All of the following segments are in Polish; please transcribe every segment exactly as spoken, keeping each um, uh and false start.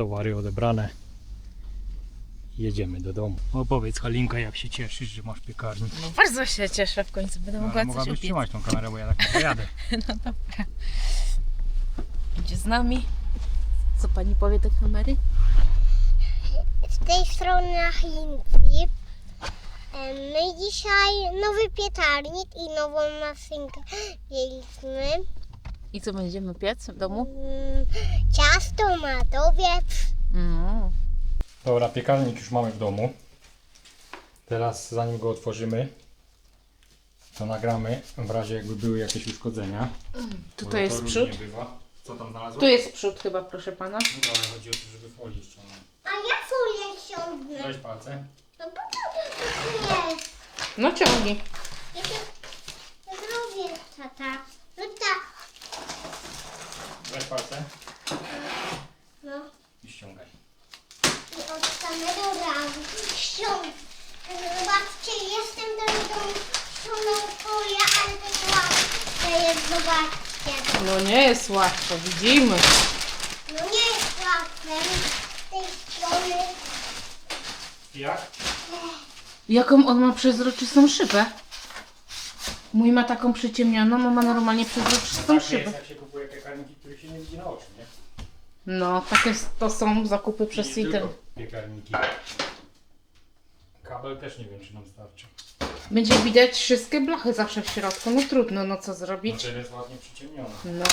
towary odebrane. Jedziemy do domu. Opowiedz, Halinka, jak się cieszysz, że masz piekarnik. No bardzo się cieszę, w końcu będę No, mogła ale coś mogłabyś upiec. trzymać tą kamerę, bo ja tak nie pojadę. No dobra. Idzie z nami. Co pani powie do kamery? Z tej strony Chinki. No i dzisiaj nowy piekarnik i nową maszynkę mieliśmy. I co będziemy piec w domu? Mm, Ciasto, madowiec. Mm. Dobra, piekarnik już mamy w domu. Teraz zanim go otworzymy, to nagramy w razie jakby były jakieś uszkodzenia. Tutaj Bo jest to przód. różnie bywa. Co tam znalazłeś? Tu jest przód chyba, proszę pana. Dobra, ale chodzi o to, żeby folię ściągnąć. A ja folię ściągnę. Weź palce. No bo to jest. No ciągnij. Ja to ja zrobię, tata. No tak. Weź palce No i ściągaj. i od samego razu ściągnę. Zobaczcie, jestem do ściągnął folię, ale to jest łatwe jest, zobaczcie. No nie jest łatwo, widzimy. No nie jest łatwe z tej strony. Jak? Jaką on ma przezroczystą szybę? Mój ma taką przyciemnioną, a ma normalnie przezroczystą Tak szybę. jest, jak się kupuje piekarniki, których się nie widzi na oczy, nie? No, takie to są zakupy przez Nie Citel. tylko piekarniki. Kabel też nie wiem, czy nam starczy. Będzie widać wszystkie blachy zawsze w środku. No trudno, no co No zrobić? to jest ładnie przyciemnione. No.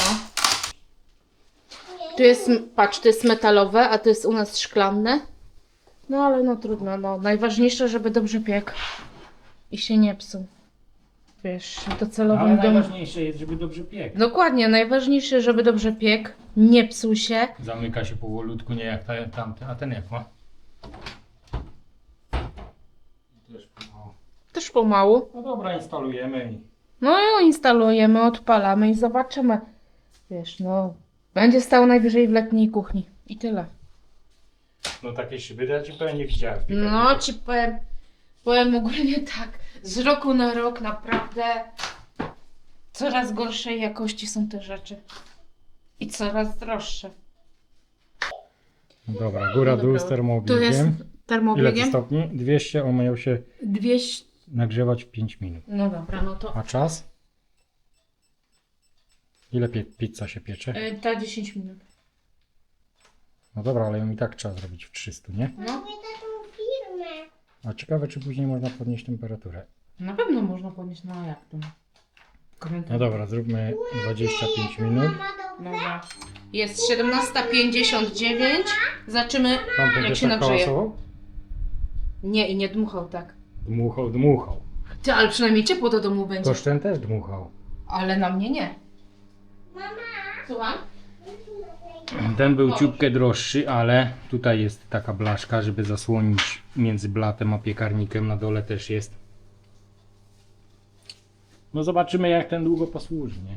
Tu jest, patrz, to jest metalowe, a to jest u nas szklanne. No ale no trudno, no. Najważniejsze, żeby dobrze piekł. I się nie psuł. Wiesz, Ale docelowym domu. najważniejsze jest, żeby dobrze piekł. Dokładnie, najważniejsze, żeby dobrze piekł, nie psuł się. Zamyka się powolutku, nie jak ta- tamten. A ten jak ma? Też pomału. Też pomału. No dobra, instalujemy i... No i instalujemy, odpalamy i zobaczymy. Wiesz, no, będzie stał najwyżej w letniej kuchni. I tyle. No takiej szyby to ja ci powiem nie widziałem. w No piekarniku. ci powiem, powiem ogólnie tak, z roku na rok naprawdę coraz gorszej jakości są te rzeczy. I coraz droższe. Dobra, góra dół z Tu jest termobiegiem. Ile to termobiegiem. stopni? dwieście, on miał się dwieście. nagrzewać w pięć minut. No dobra, no to A czas? Ile pie- pizza się piecze? y, ta dziesięć minut. No dobra, ale ją i tak trzeba zrobić w trzystu, nie? No, Robię taką firmę. A ciekawe, czy później można podnieść temperaturę. na pewno można podnieść, no jak to? No dobra, zróbmy dwadzieścia pięć minut. Dobra. Jest siedemnasta pięćdziesiąt dziewięć. Zobaczymy, Tamten jak też się tak nagrzeje. hałasował? Nie, i nie dmuchał tak. Dmuchał, dmuchał. Ty, ale przynajmniej ciepło do domu będzie. Toż ten też dmuchał. Ale na mnie nie. Słucham? Ten był ciupkę droższy, ale tutaj jest taka blaszka, żeby zasłonić między blatem a piekarnikiem. Na dole też jest. No zobaczymy, jak ten długo posłuży, nie?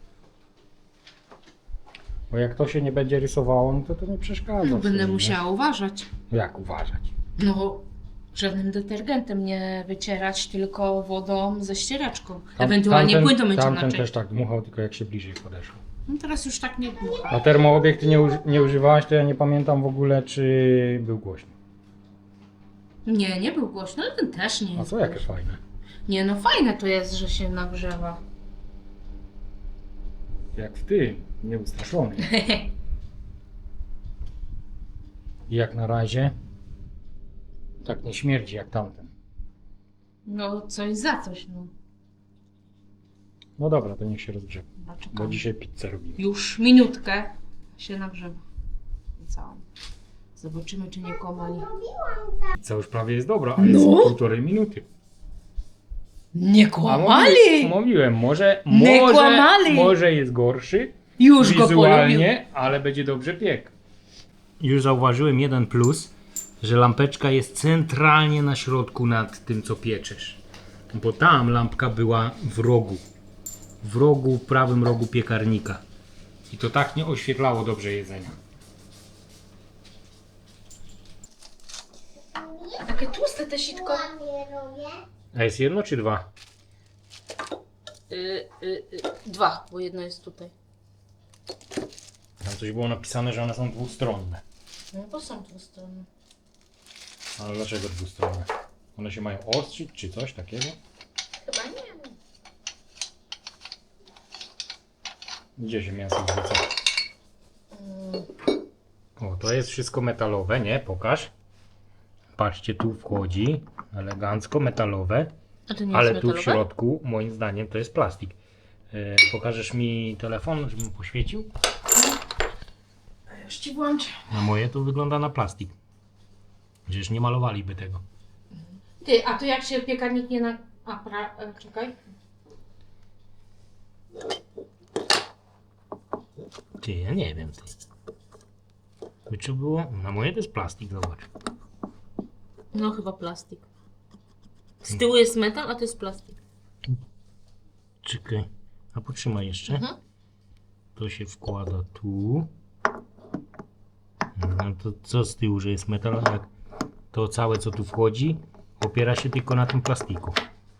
Bo jak to się nie będzie rysowało, no to to nie przeszkadza. No, w będę sumie, musiała uważać. nie? Jak uważać? No, żadnym detergentem nie wycierać, tylko wodą ze ścieraczką. Tam- Ewentualnie tamten- płyn do mycia Tamten naczyń. też tak dmuchał, tylko jak się bliżej podeszło. No teraz już tak nie dmucha. A termoobieg ty nie, uży- nie używałaś, to ja nie pamiętam w ogóle, czy był głośny. Nie, nie był głośno, ale ten też nie A jest co jakie głośny. fajne. Nie, no fajne to jest, że się nagrzewa. Jak w tym, nieustraszony. I jak na razie tak nie śmierdzi jak tamten. No, coś za coś, no. No dobra, to niech się rozgrzewa. No, Bo czekamy. dzisiaj pizzę robimy. Już minutkę się nagrzewa. I całą. Zobaczymy, czy nie kłamali. Pizza już prawie jest dobra, a No. jest półtorej minuty. Nie A kłamali! mówiłem, mówiłem może, Nie może, kłamali! może jest gorszy Już go polubił. wizualnie, ale będzie dobrze piekł. Już zauważyłem jeden plus, że lampeczka jest centralnie na środku nad tym, co pieczesz. Bo tam lampka była w rogu. W rogu, w prawym rogu piekarnika. I to tak nie oświetlało dobrze jedzenia. Takie tłuste te sitko. Ładnie robię. A jest jedno czy dwa? Y, y, y, dwa, bo jedno jest tutaj. Tam coś było napisane, że one są dwustronne. No to są dwustronne. Ale dlaczego dwustronne? One się mają ostrzyć czy coś takiego? Chyba nie. Gdzie się mięso wrzuca? O, to jest wszystko metalowe, nie? Pokaż. Patrzcie, tu wchodzi elegancko metalowe, A to nie ale jest tu w metalowe? środku moim zdaniem to jest plastik. E, pokażesz mi telefon, żebym poświecił? Już ci włączę. Na moje to wygląda na plastik. Przecież nie malowaliby tego. Ty, a to jak się piekarnik nie na... A, pra... e, czekaj. Ty, ja nie wiem. Ty. By czy było? Na moje to jest plastik, zobacz. No chyba plastik. Z tyłu jest metal, a to jest plastik. Czekaj. A potrzymaj jeszcze. Mhm. To się wkłada tu. No to co z tyłu, że jest metal? Jak to całe co tu wchodzi opiera się tylko na tym plastiku.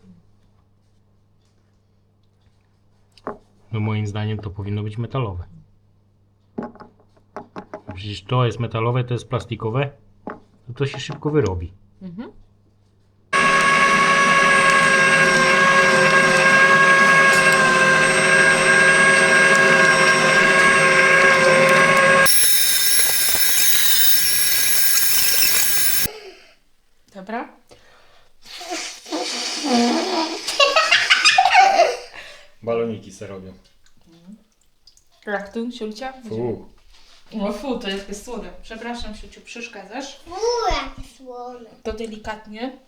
No moim zdaniem to powinno być metalowe. Przecież to jest metalowe, to jest plastikowe. To to się szybko wyrobi. Mhm. Dobra. Baloniki se robią. Jak tu, Siulcia? Fu. O fu, to jest słone. Przepraszam, Siuciu, przeszkadzasz. Uuu, jakie słone. To delikatnie.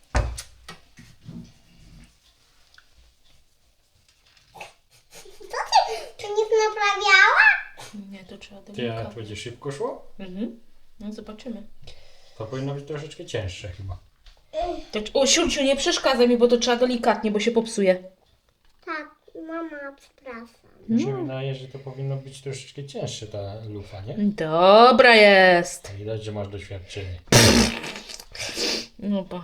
Co ty? To nic naprawiała? Nie, to trzeba Ty, a delikatnie. to będzie szybko szło? Mhm. No zobaczymy. To powinno być troszeczkę cięższe chyba. To, o, Siulciu, nie przeszkadzaj mi, bo to trzeba delikatnie, bo się popsuje. Tak, mama, przepraszam. Mi się wydaje, że to powinno być troszeczkę cięższe ta lufa, nie? Dobra jest. Widać, że masz doświadczenie. No pa.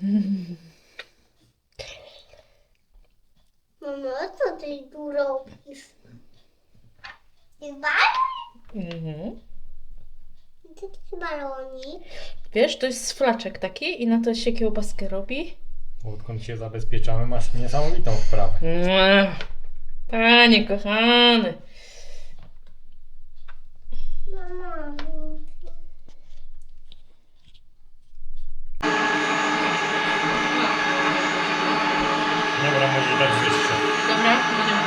Mamo, co ty tu robisz? Jest balon? Mhm. Co to jest balonik? Wiesz, to jest flaczek taki i na to się kiełbaskę robi. Odkąd się zabezpieczamy, masz niesamowitą wprawę. Mua. Panie kochany. Mama. Dobra, może dać wyższe. Dobra, będziemy.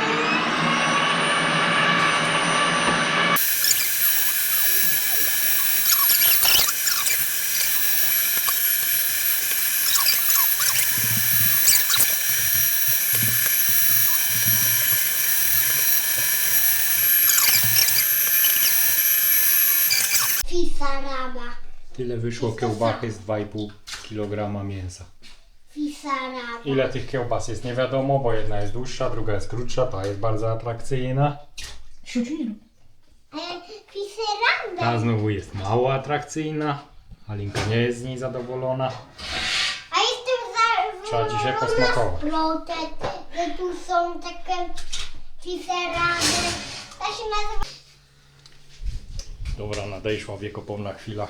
Fisaraba. Tyle wyszło kiełbachy z dwa i pół kilograma mięsa. Fisaraba. Ile tych kiełbas jest nie wiadomo, bo jedna jest dłuższa, druga jest krótsza, ta jest bardzo atrakcyjna. Siuciu nie rób. E, Fisaraba. Ta znowu jest mało atrakcyjna. Alinka nie jest z niej zadowolona. A jestem za... Trzeba dzisiaj posmakować. Protest, że tu są takie fiseraby. To się nazywa... Dobra, nadejszła wiekopomna chwila.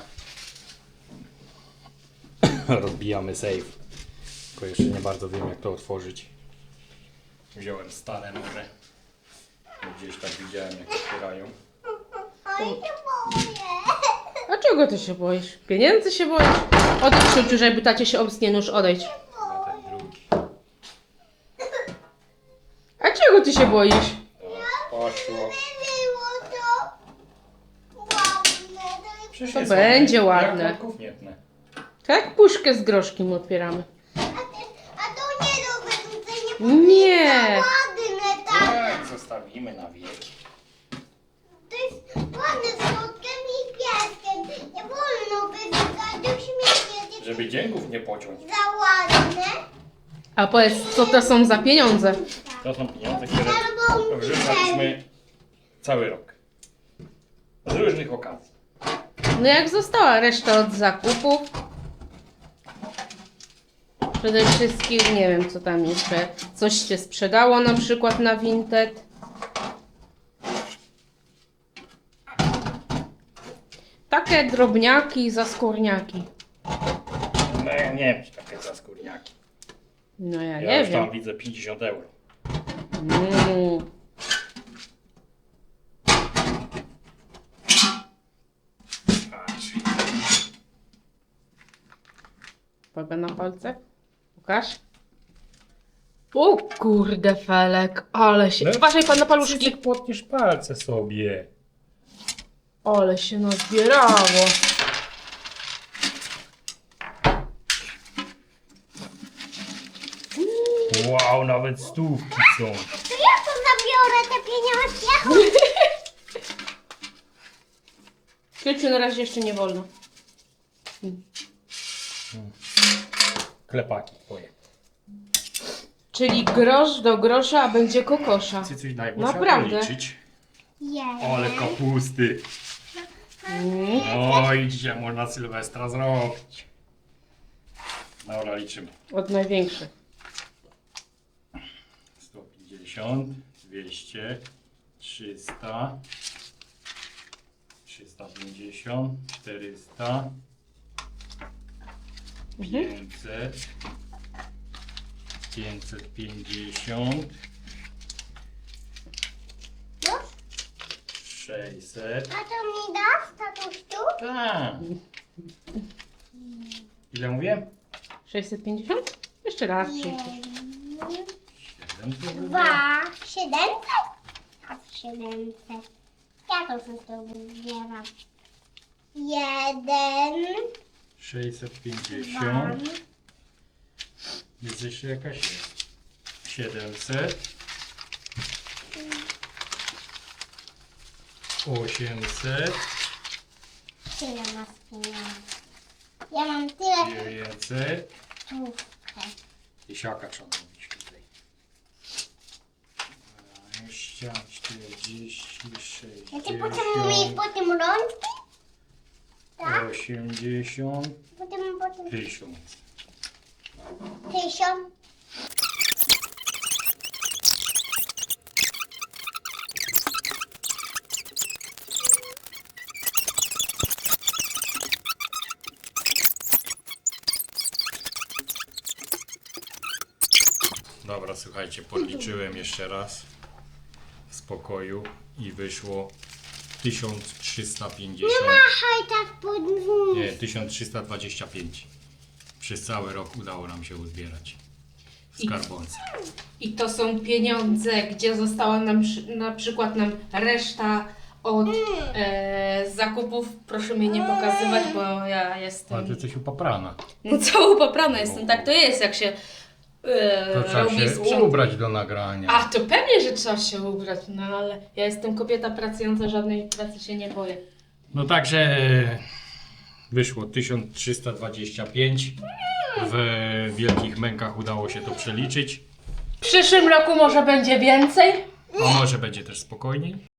Rozbijamy safe. Tylko jeszcze nie bardzo wiem, jak to otworzyć. Wziąłem stare noże. Gdzieś tak widziałem, jak otwierają. Oj, się boję. A czego ty się boisz? Pieniędzy się boisz? Odejdź, Siuciu, żeby tacie się obstnie nóż, odejdź. Na ten drugi. A czego ty się boisz? Poszło. Było to ładne. To jest... Przecież To jest będzie ładne. ładne. Jak worków nie tnę. Tak, puszkę z groszkiem otwieramy. A, te, a to nie do wyrzucenia. Nie. Ładne, tak. Tak, zostawimy na wieki. To jest ładne z kotkiem i pieskiem. Nie wolno wyrzucać do śmieci. Żeby dzięków nie pociąć. Za ładne. A powiedz, co to są za pieniądze? To są pieniądze, które Albo wrzucaliśmy cały rok. Z różnych okazji. No jak została reszta od zakupów? Przede wszystkim, nie wiem co tam jeszcze, coś się sprzedało na przykład na Vinted. Tak takie drobniaki, zaskórniaki. No ja nie wiem, czy takie zaskórniaki. No ja, Ja nie już wiem. tam widzę pięćdziesiąt euro. Mm. Patrz. Uwaga na palce. Pokaż. O kurde Felek, ale się... No, Uważaj pan na paluszki. Cycek, potniesz palce sobie. Ale się nazbierało. Wow, nawet stówki są. To ja to zabiorę te pieniądze. Kieciu, na razie jeszcze nie wolno. Klepaki twoje. Czyli grosz do grosza, a będzie kokosza. Ty coś daj, bo Naprawdę. trzeba policzyć. Jeden. Ale kapusty. Mm. Oj, dzisiaj można Sylwestra zrobić. Dobra, liczymy. Od największych. sto pięćdziesiąt, dwieście, trzysta, trzysta pięćdziesiąt, czterysta, pięćset, pięćset pięćdziesiąt, Już? sześćset. A to mi dasz, tatusiu? Tak. Ile mówię? sześćset pięćdziesiąt? Jeszcze raz. Jeden, siedemset. dwa, siedemset? A siedemset. Ja to wszystko wybieram. Jeden, sześćset dwa, pięćdziesiąt. Jest jeszcze jakaś? siedemset. osiemset. tyle masz pieniędzy. Ja mam tyle dziewięćset. stówkę. Tysiaka trzeba zrobić tutaj. dwadzieścia, czterdzieści, Ja ci potem mieć sześćdziesiąt, potem rączki? Tak? osiemdziesiąt, Potem, potem tysiąc. tysiąc. Dobra, słuchajcie, podliczyłem jeszcze raz w spokoju i wyszło tysiąc trzysta pięćdziesiąt. Machaj tak pod wóz. Nie, tysiąc trzysta dwadzieścia pięć. Przez cały rok udało nam się uzbierać w I- skarbonce. I to są pieniądze, gdzie została nam przy- na przykład nam reszta od e, zakupów. Proszę mnie nie pokazywać, bo ja Ale ty jestem jesteś upaprana. no, całą poprana jestem. Tak to jest, jak się e, To trzeba robi się sprząt. ubrać do nagrania. A to pewnie, że trzeba się ubrać, no ale ja jestem kobieta pracująca, żadnej pracy się nie boję. No także e, wyszło tysiąc trzysta dwadzieścia pięć. W wielkich mękach udało się to przeliczyć. W przyszłym roku może będzie więcej? A może będzie też spokojniej?